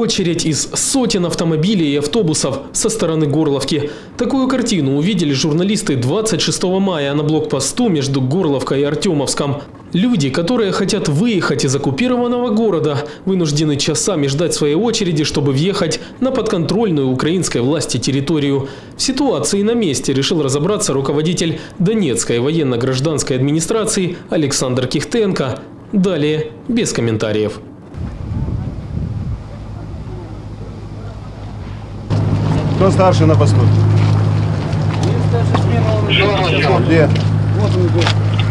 очередь из сотен автомобилей и автобусов со стороны Горловки. Такую картину увидели журналисты 26 мая на блокпосту между Горловкой и Артемовском. Люди, которые хотят выехать из оккупированного города, вынуждены часами ждать своей очереди, чтобы въехать на подконтрольную украинской власти территорию. В ситуации на месте решил разобраться руководитель Донецкой военно-гражданской администрации Александр Кихтенко. Далее без комментариев. Кто старший на посту? Где? Вот он идет.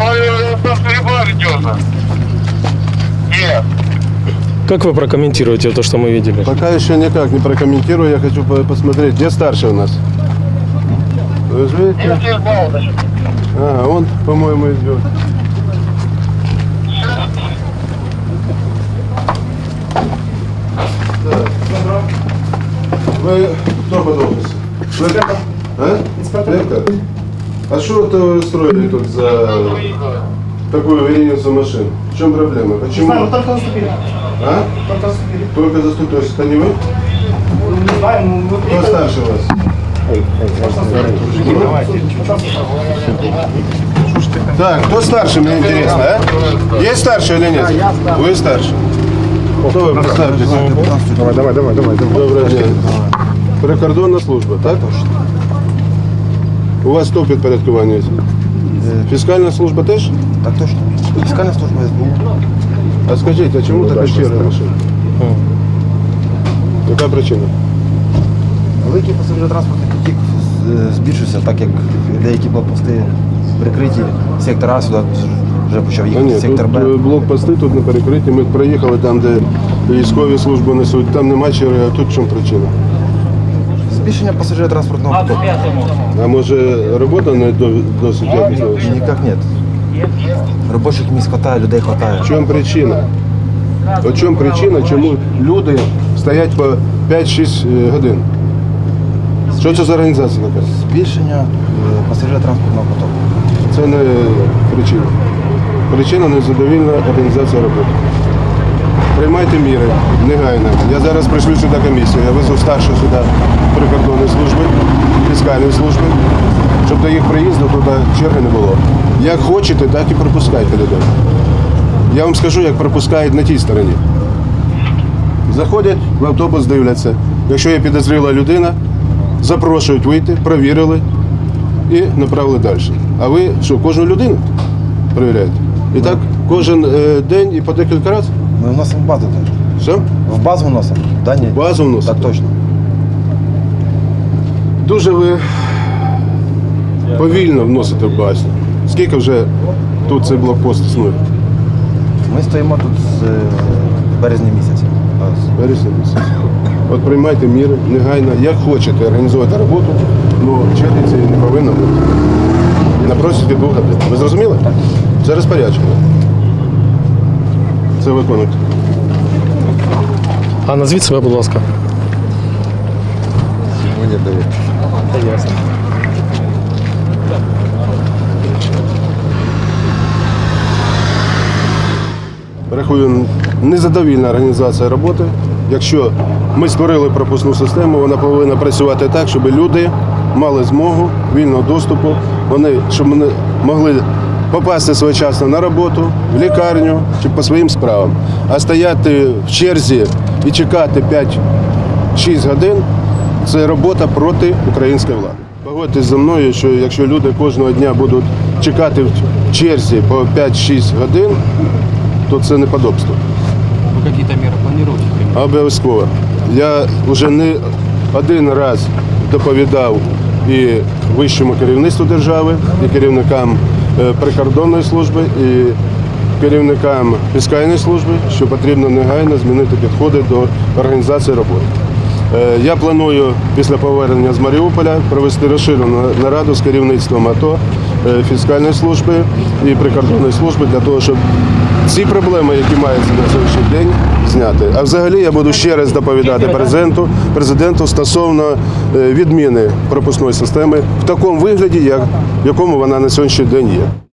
Нет. Как вы прокомментируете то, что мы видели? Пока еще никак не прокомментирую, я хочу посмотреть, где старший у нас. Вы же видите? А, он, по-моему, идет. Так. Вы кто под офисом? А? Инспектор. А что это вы устроили тут за такую вереницу машин? В чем проблема? Почему? Не знаю, мы только заступили. А? Только заступили. Только заступили. То есть это не вы? Не знаю, мы Кто приехали. старше вас? Так, кто старше, мне интересно, а? Есть старше или нет? Вы старше. Кто вы, представьтесь? Давай. Добрый день. Прикордонна служба, так? У вас хто підпорядкування? Фіскальна служба теж? Так точно. Фіскальна служба СБУ. А скажіть, а чому така черга машин? Яка причина? Великий пасажиротранспортний потік збільшився, так як деякі блокпости прикриті. Сектор А сюди вже почав А їхати, ні, сектор Б. тут блокпости тут не перекриті. Ми проїхали там, де військові службу несуть, там нема черги, а тут в чому причина? Збільшення пасажиротранспортного потоку. А може робота не досить якісна? Ніяк нет. Робочих місць хватає, людей хватає. В чому причина? От чому причина, чому люди стоять по 5-6 годин? Що це за організація така? Збільшення пасажиротранспортного потоку. Це не причина. Причина незадовільна організація роботи. Приймайте міри негайно. Я зараз прийшлю сюди комісію, я везу старшу сюди прикордонної служби, фіскальної служби, щоб до їх приїзду туди черги не було. Як хочете, так і пропускайте людей. Я вам скажу, як пропускають на тій стороні. Заходять в автобус, дивляться. Якщо є підозріла людина, запрошують вийти, провірили і направили далі. А ви що, кожну людину перевіряєте? І так кожен день і по декілька разів? Ми вносимо в базу теж. Все? В базу вносимо. Дані. Базу вносите? Так точно. Дуже ви повільно вносите в базу. Скільки вже тут цей блокпост існує? Ми стоїмо тут з березня місяця. Вересня місяць. От приймайте міри негайно, як хочете організувати роботу, але черги цієї не повинно бути. Напросите 2 годин. Ви зрозуміли? Це розпорядження. Це виконуйте. А назвіть себе, будь ласка. Мені дають. Ясно. Рахую, незадовільна організація роботи. Якщо ми створили пропускну систему, вона повинна працювати так, щоб люди мали змогу вільного доступу, щоб вони могли попасти своєчасно на роботу, в лікарню чи по своїм справам. А стояти в черзі і чекати 5-6 годин – це робота проти української влади. Погодьтесь зі мною, що якщо люди кожного дня будуть чекати в черзі по 5-6 годин, то це неподобство. Вы какие-то меры планируете? Обов'язково. Я вже не один раз доповідав і вищому керівництву держави, і керівникам прикордонної служби, і керівникам фіскальної служби, що потрібно негайно змінити підходи до організації роботи. Я планую після повернення з Маріуполя провести розширену нараду з керівництвом АТО, фіскальної служби і прикордонної служби для того, щоб ці проблеми, які маються на сьогоднішній день, зняти. А взагалі я буду ще раз доповідати президенту стосовно відміни пропускної системи в такому вигляді, в якому вона на сьогоднішній день є.